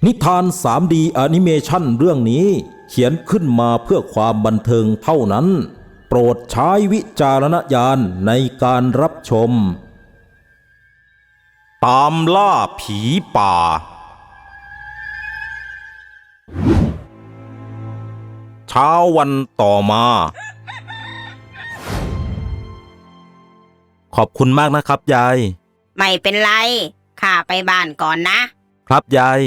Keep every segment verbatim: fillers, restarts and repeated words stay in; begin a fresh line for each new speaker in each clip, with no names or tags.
นิทาน ทรี ดี แอนิเมชันเรื่องนี้เขียนขึ้นมาเพื่อความบันเทิงเท่านั้นโปรดใช้วิจารณญาณในการรับชมตามล่าผีป่าเช้าวันต่อมาขอบคุณมากนะครับยาย
ไม่เป็นไรข้าไปบ้านก่อนนะครับ
ยาย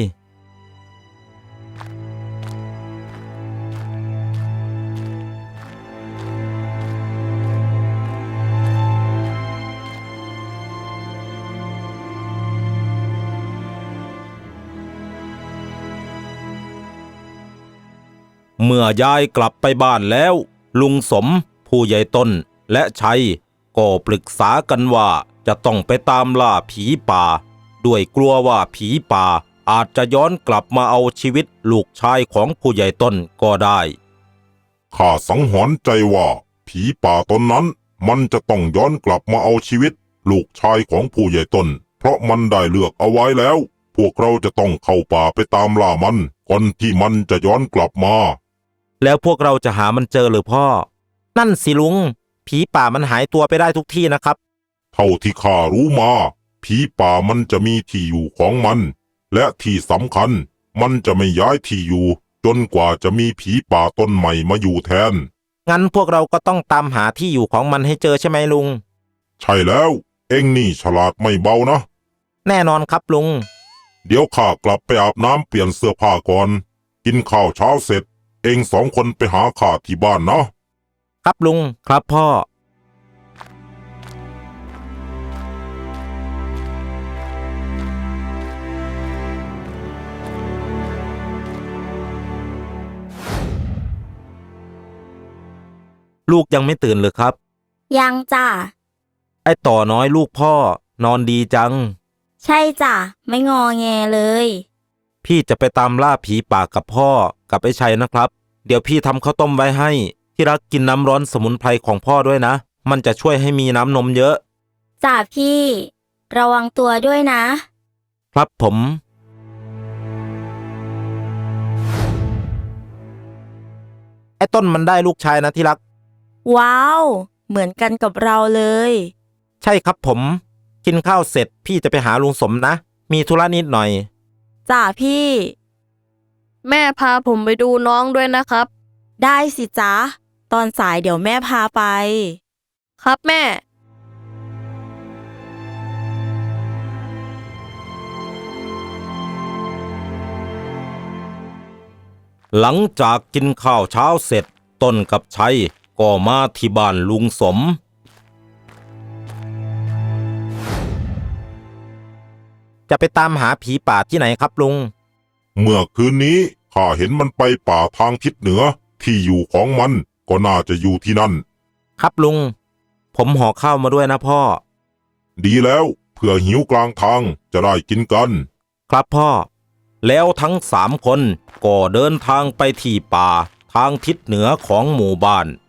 เมื่อยายกลับไปบ้านแล้วลุงสมผู้ใหญ่ต้นและชัยก็ปรึกษากันว่าจะต้องไปตามล่าผีป่าด้วยกลัวว่าผีป่าอาจจะย้อนกลับมาเอาชีวิตลูกชายของผู้ใหญ่ต้นก็ได้
ข้าสังหรณ์ใจว่าผีป่าตนนั้นมันจะต้องย้อนกลับมาเอาชีวิตลูกชายของผู้ใหญ่ต้นเพราะมันได้เลือกเอาไว้แล้วพวกเราจะต้องเข้าป่าไปตามล่ามันก่อนที่มันจะย้อนกลับมา
แล้วพวกเราจะหามันเจอหรือพ่อนั่นสิลุงผีป่ามันหายตัวไปได้ทุกที่นะครับ
เท่าที่ข้ารู้มาผีป่ามันจะมีที่อยู่ของมันและที่สำคัญมันจะไม่ย้ายที่อยู่จนกว่าจะมีผีป่าตนใหม่มาอยู่แทน
งั้นพวกเราก็ต้องตามหาที่อยู่ของมันให้เจอใช่ไหมลุง
ใช่แล้วเอ็งนี่ฉลาดไม่เบานะ
แน่นอนครับลุง
เดี๋ยวข้ากลับไปอาบน้ำเปลี่ยนเสื้อผ้าก่อนกินข้าวเช้าเสร็จเอ็งสองคนไปหาข้าที่บ้านนะครับ
ลุงครับพ่อลูกยังไม่ตื่นเลยครับ
ยังจ้ะ
ไอ้ต่อน้อยลูกพ่อนอนดีจัง
ใช่จ้ะไม่งอแงเลย
พี่จะไปตามล่าผีป่ากับพ่อกับไอ้ชัยนะครับเดี๋ยวพี่ทำข้าวต้มไว้ให้ที่รักกินน้ำร้อนสมุนไพรของพ่อด้วยนะมันจะช่วยให้มีน้ำนมเยอะ
จ้ะพี่ระวังตัวด้วยนะครับ
ผมไอ้ต้นมันได้ลูกชายนะที่รัก
ว้าวเหมือนกันกับเราเลย
ใช่ครับผมกินข้าวเสร็จพี่จะไปหาลุงสมนะมีธุระนิดหน่อย
จ้ะพี่
แม่พาผมไปดูน้องด้วยนะครับ
ได้สิจ๊ะตอนสายเดี๋ยวแม่พาไป
ครับแม่
หลังจากกินข้าวเช้าเสร็จต้นกับชัยก็มาที่บ้านลุงสมจะไปตามหาผีป่าที่ไหนครับลุง
เมื่อคืนนี้ข้าเห็นมันไปป่าทางทิศเหนือที่อยู่ของมันก็น่าจะอยู่ที่นั่น
ครับลุงผมห่อข้าวมาด้วยนะพ่อ
ดีแล้วเผื่อหิวกลางทางจะได้กินกัน
ครับพ่อแล้วทั้งสามคนก็เดินทางไปที่ป่าทางทิศเหนือของหมู่บ้าน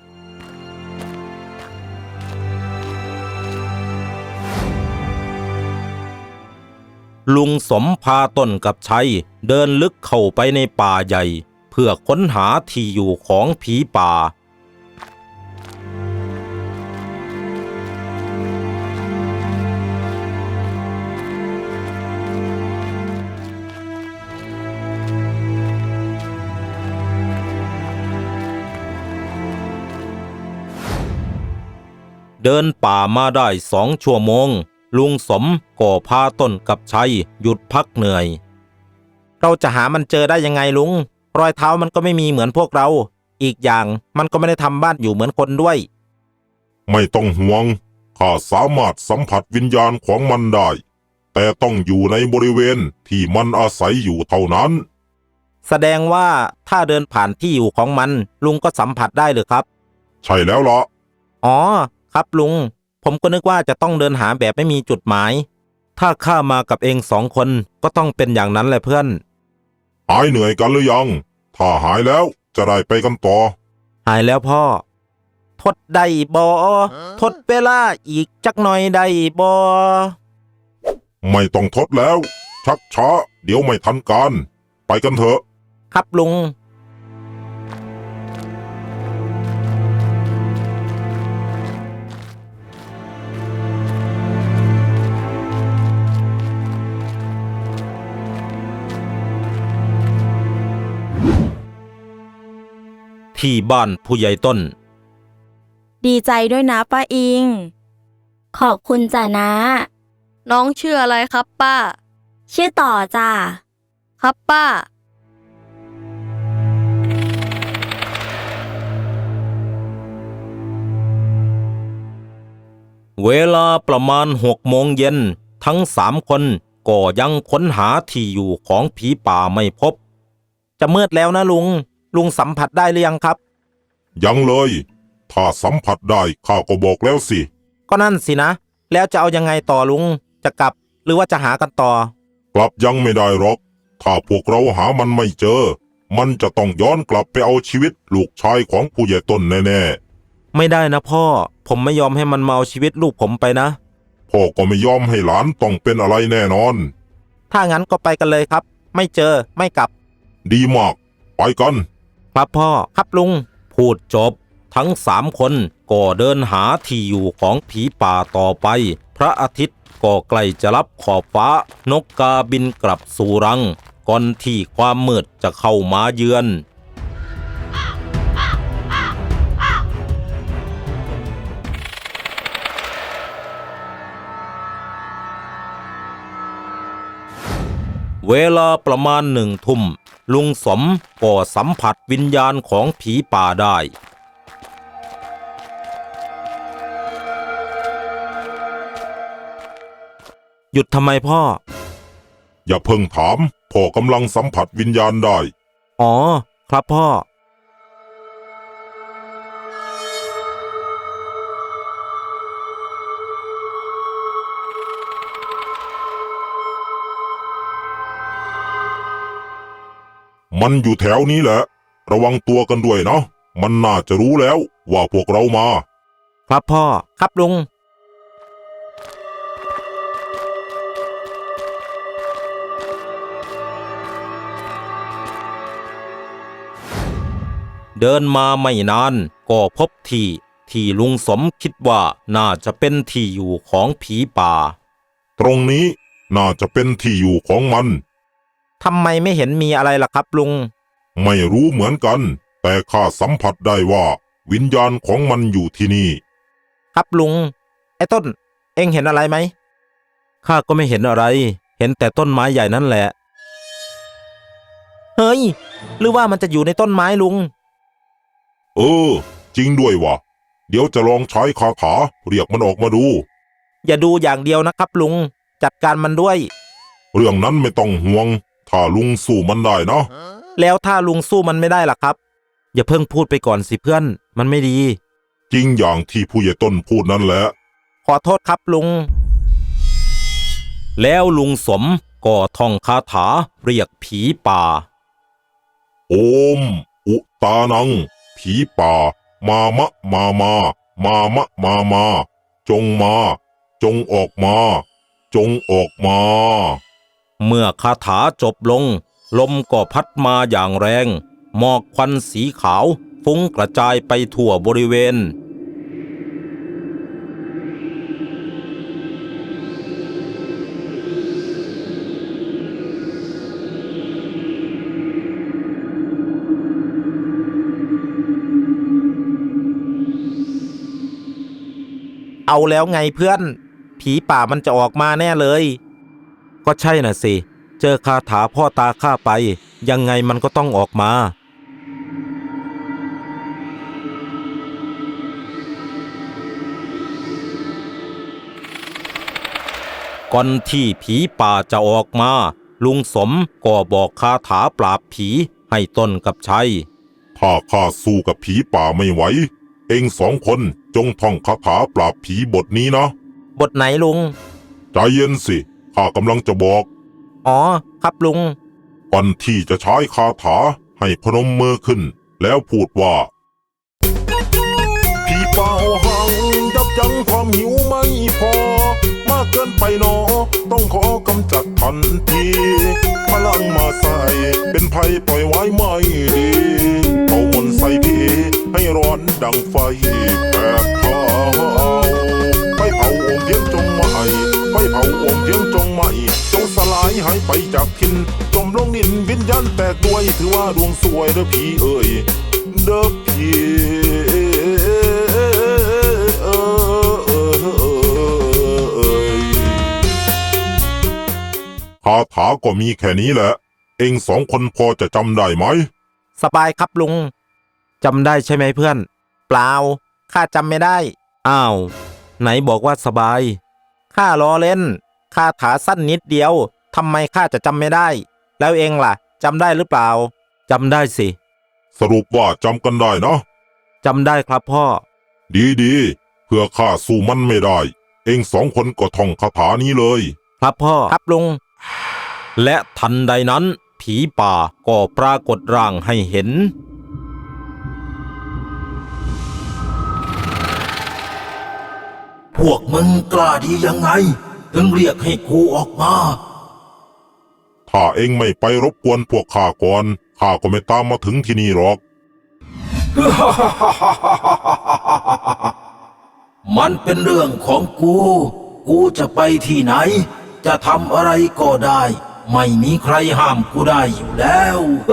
ลุงสมพาต้นกับชัยเดินลึกเข้าไปในป่าใหญ่เพื่อค้นหาที่อยู่ของผีป่าเดินป่ามาได้สองชั่วโมงลุงสมก็พาต้นกับชัยหยุดพักเหนื่อยเราจะหามันเจอได้ยังไงลุงรอยเท้ามันก็ไม่มีเหมือนพวกเราอีกอย่างมันก็ไม่ได้ทำบ้านอยู่เหมือนคนด้วย
ไม่ต้องห่วงข้าสามารถสัมผัสวิญญาณของมันได้แต่ต้องอยู่ในบริเวณที่มันอาศัยอยู่เท่านั้น
แสดงว่าถ้าเดินผ่านที่อยู่ของมันลุงก็สัมผัสได้หรือครับ
ใช่แล้วล่ะ
อ๋อครับลุงผมก็นึกว่าจะต้องเดินหาแบบไม่มีจุดหมายถ้าข้ามากับเองสองคนก็ต้องเป็นอย่างนั้นแหละเพื่อน
หายเหนื่อยกันหรือยังถ้าหายแล้วจะได้ไปกันต่อ
หายแล้วพ่อทดได้บ่ทดเวลาอีกจักหน่อยได้บ่
ไม่ต้องทดแล้วชักช้าเดี๋ยวไม่ทันการ ไปกันเถอะ
ครับลุง ที่บ้านผู้ใหญ่ต้น
ดีใจด้วยนะป้าอิง ขอบคุณจ้ะนะ
น้องชื่ออะไรครับป้า
ชื่อต่อจ้ะ
ครับป้า
เวลาประมาณหกโมงเย็นทั้งสามคนก็ยังค้นหาที่อยู่ของผีป่าไม่พบ จะมืดแล้วนะลุง ลุงสัมผัสได้หรือยังครับ
ยังเลย ถ้าสัมผัสได้ข้าก็บอกแล้วสิ
ก็นั่นสินะ แล้วจะเอายังไงต่อลุง จะกลับหรือว่าจะหากันต่อ
กลับยังไม่ได้หรอก ถ้าพวกเราหามันไม่เจอ มันจะต้องย้อนกลับไปเอาชีวิตลูกชายของผู้ใหญ่ต้นแน่ๆ
ไม่ได้นะพ่อ ผมไม่ยอมให้มันมาเอาชีวิตลูกผมไปนะ
พ่อก็ไม่ยอมให้หลานต้องเป็นอะไรแน่นอน
ถ้างั้นก็ไปกันเลยครับ ไม่เจอไม่กลับ
ดีมาก ไปกัน
ครับพ่อ ครับลุง พูดจบ ทั้งสามคนก็เดินหาที่อยู่ของผีป่าต่อไป พระอาทิตย์ก็ใกล้จะรับขอบฟ้านกกาบินกลับสู่รัง ก่อนที่ความมืดจะเข้ามาเยือน เวลาประมาณหนึ่งทุ่ม ลุงสมก็สัมผัสวิญญาณของผีป่าได้ หยุดทำไมพ่อ
อย่าเพิ่งถาม พ่อกำลังสัมผัสวิญญาณได้
อ๋อ ครับพ่อ
มันอยู่แถวนี้แหละ ระวังตัวกันด้วยนะ มันน่าจะรู้แล้วว่าพวกเรามา
ครับพ่อ ครับลุง เดินมาไม่นานก็พบที่ที่ลุงสมคิดว่าน่าจะเป็นที่อยู่ของผีป่า
ตรงนี้น่าจะเป็นที่อยู่ของมัน
ทำไมไม่เห็นมีอะไรล่ะครับลุง
ไม่รู้เหมือนกัน แต่ข้าสัมผัสได้ว่าวิญญาณของมันอยู่ที่นี่
ครับลุง ไอ้ต้น เอ็งเห็นอะไรไหม ข้าก็ไม่เห็นอะไร เห็นแต่ต้นไม้ใหญ่นั่นแหละ เฮ้ย หรือว่ามันจะอยู่ในต้นไม้ลุง
เออ จริงด้วยวะเดี๋ยวจะลองใช้คาถาเรียกมันออกมาดู
อย่าดูอย่างเดียวนะครับลุง จัดการมันด้วย
เรื่องนั้นไม่ต้องห่วง ถ้าลุงสู้มันได้นะ
แล้วถ้าลุงสู้มันไม่ได้ล่ะครับ อย่าเพิ่งพูดไปก่อนสิเพื่อน มันไม่ดี
จริงอย่างที่ผู้ใหญ่ต้นพูดนั่นแหละ
ขอโทษครับลุง แล้วลุงสมก็ท่องคาถาเรียกผีป่า
โอม อุตานัง ผีป่า มามะมามามามะมามา จงมา จงออกมา จงออกมา
เมื่อคาถาจบลง ลมก็พัดมาอย่างแรง หมอกควันสีขาวฟุ้งกระจายไปทั่วบริเวณ เอาแล้วไงเพื่อน ผีป่ามันจะออกมาแน่เลย ก็ใช่น่ะสิ เจอคาถาพ่อตาข้าไป ยังไงมันก็ต้องออกมา ก่อนที่ผีป่าจะออกมา ลุงสมก็บอกคาถาปราบผีให้ต้นกับชัย
ถ้าข้าสู้กับผีป่าไม่ไหว เองสองคนจงท่องคาถาปราบผีบทนี้นะ
บทไหนลุง
ใจเย็นสิ ข้ากำลังจะบอก
อ๋อ ครับลุง
ก่อนที่จะใช้คาถาให้พนมมือขึ้น แล้วพูดว่า ผีป่าหังยับยั้งความหิวไม่พอ มาากเกินไปหนอต้องขอกำจัดทันทีพลังมาใส่เป็นภัยปล่อยไว้ไม่ดีเอามนต์ใส่พีให้ร้อนดังไฟแผดเผาไฟเผาองค์เทียนจงไม่ไฟเผาองค์เทียนจงไม่จงสลายหายไปจากทินจมลงดินวิญญาณแตกด้วยถือว่าดวงสวยเด้อพี่เอ่ยเด้อพี่คาถาก็มีแค่นี้แหละเองสองคนพอจะจำได้ไหม
สบายครับลุงจำได้ใช่ไหมเพื่อนเปล่าข้าจำไม่ได้อ้าวไหนบอกว่าสบายข้าล้อเล่นคาถาสั้นนิดเดียวทำไมข้าจะจำไม่ได้แล้วเองล่ะจำได้หรือเปล่าจำได้สิ
สรุปว่าจำกันได้นะ
จำได้ครับพ่อ
ดีๆเพื่อข้าสู้มันไม่ได้เองสองคนก็ท่องคาถานี้เลย
ครับพ่อครับลุงและทันใดนั้นผีป่าก็ปรากฏร่างให้เห็น
พวกมึงกล้าดียังไงถึงเรียกให้กูออกมา
ถ้าเองไม่ไปรบกวนพวกข้าก่อนข้าก็ไม่ตามมาถึงที่นี่หรอก
มันเป็นเรื่องของกูกูจะไปที่ไหนจะทำอะไรก็ได้ไม่มีใครห้ามกูได้อยู่แล้ว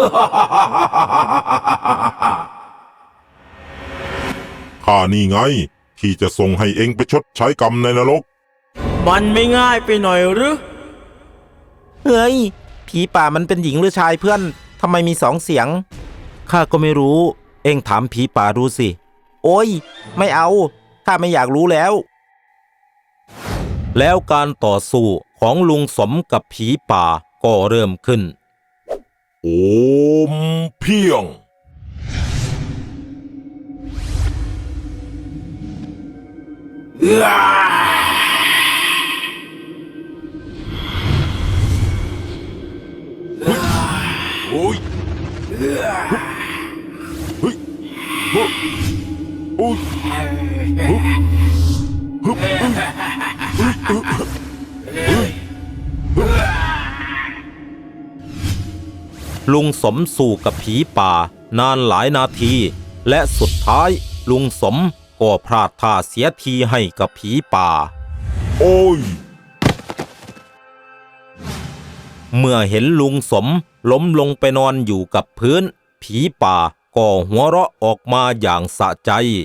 ข้านี่ไงที่จะส่งให้เองไปชดใช้กรรมในนรก
มันไม่ง่ายไปหน่อยหรือ
เฮ้ยผีป่ามันเป็นหญิงหรือชายเพื่อนทำไมมีสองเสียงข้าก็ไม่รู้เอ็งถามผีป่าดูสิโอ้ยไม่เอาข้าไม่อยากรู้แล้วแล้วการต่อสู้ของลุงสมกับผีป่าก็เริ่มขึ้น
โอมเพียงโอ้ยเฮ้ยโอ้ยโอ้ย
ลุงสมสู้กับผีป่านานหลายนาทีและสุดท้ายลุงสมก็พลาดท่าเสียทีให้กับผีป่า
โอ้ย
เมื่อเห็นลุงสมล้มลงไปนอนอยู่กับพื้นผีป่าก็หัวเราะออกมาอย่างสะใจ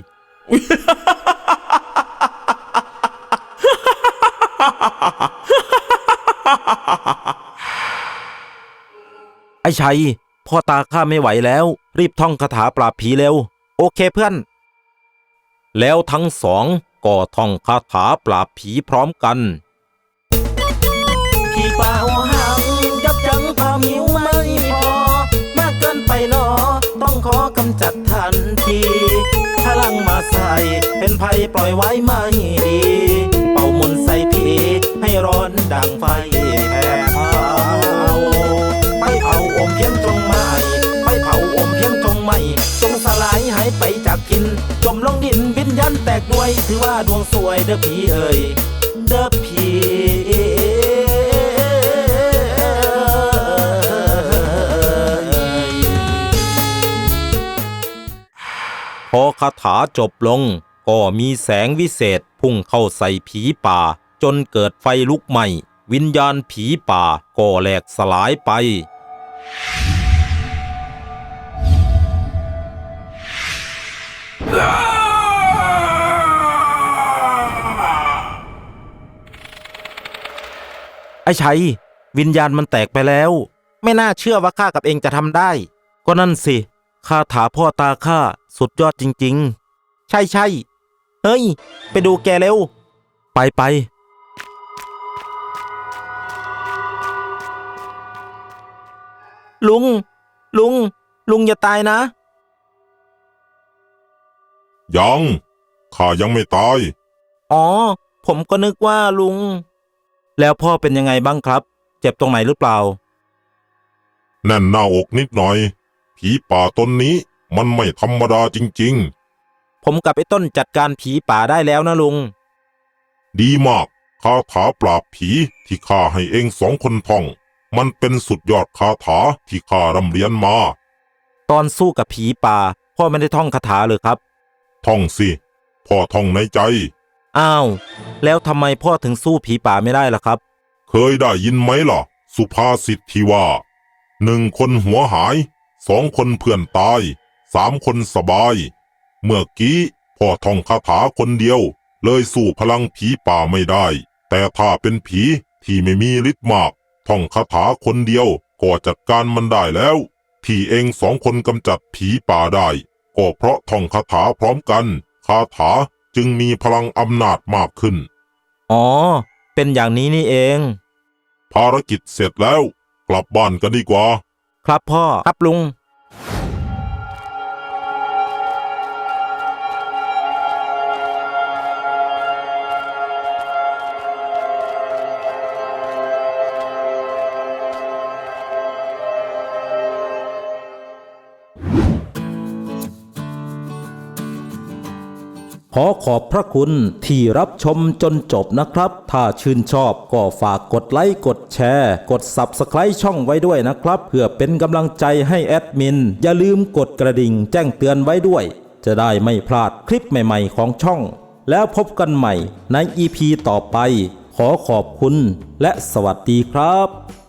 ไอ้ชัยพ่อตาข้าไม่ไหวแล้วรีบท่องคาถาปราบผีเร็วโอเคเพื่อนแล้วทั้งสองก็ท่องคาถาปราบผีพร้อมกัน
ผีป่าหังยับยั้งความหิวไม่พอมากเกินไปหนอต้องขอกำจัดทันทีพลังมาใส่เป็นภัยปล่อยไว้ไม่ดีเป่ามนต์ใส่ผีให้ร้อนดังไฟแผดเผาไฟเผาอมเพียงจงไม่ไฟเผาอมเพียงจงไม่จงสลายหายไปจากกินจมลงดินวิญญาณแตกด้วยถือว่าดวงสวยเด้อผีเอ่ยเด้อผี
พอคาถาจบลงก็มีแสงวิเศษพุ่งเข้าใส่ผีป่าจนเกิดไฟลุกไหม้วิญญาณผีป่าก็แหลกสลายไปไอ้ชัยวิญญาณมันแตกไปแล้วไม่น่าเชื่อว่าข้ากับเองจะทำได้ก็นั่นสิคาถาพ่อตาข้าสุดยอดจริงๆใช่ใช่เฮ้ยไปดูแกเร็วไปไปลุงลุงลุงอย่าตายนะ
ยังข้ายังไม่ตาย
อ๋อผมก็นึกว่าลุงแล้วพ่อเป็นยังไงบ้างครับเจ็บตรงไหนหรือเปล่า
แน่นหน้าอกนิดหน่อยผีป่าตนนี้มันไม่ธรรมดาจริง
ๆผมกับไอ้ต้นจัดการผีป่าได้แล้วนะลุง
ดีมากคาถาปราบผีที่ข้าให้เองสองคนท่อง มันเป็นสุดยอดคาถาที่ข้าร่ำเรียนมา
ตอนสู้กับผีป่าพ่อไม่ได้ท่องคาถาเลยครับ
ท่องสิ พ่อท่องในใจ
อ้าวแล้วทำไมพ่อถึงสู้ผีป่าไม่ได้ล่ะครับ
เคยได้ยินไหมล่ะ สุภาษิตที่ว่าหนึ่งคนหัวหายสองคนเพื่อนตายสามคนสบาย เมื่อกี้พ่อท่องคาถาคนเดียวเลยสู้พลังผีป่าไม่ได้ แต่ถ้าเป็นผีที่ไม่มีฤทธิ์มากท่องคาถาคนเดียวก็จัดการมันได้แล้ว ที่เองสองคนกำจัดผีป่าได้ก็เพราะท่องคาถาพร้อมกันคาถาจึงมีพลังอำนาจมากขึ้น
อ๋อเป็นอย่างนี้นี่เอง
ภารกิจเสร็จแล้วกลับบ้านกันดีกว่า
ครับพ่อครับลุง ขอขอบพระคุณที่รับชมจนจบนะครับ ถ้าชื่นชอบก็ฝากกดไลค์กดแชร์กด ซับสไครบ์ ช่องไว้ด้วยนะครับเพื่อเป็นกำลังใจให้แอดมินอย่าลืมกดกระดิ่งแจ้งเตือนไว้ด้วยจะได้ไม่พลาดคลิปใหม่ๆของช่องแล้วพบกันใหม่ใน อี พี ต่อไปขอขอบคุณและสวัสดีครับ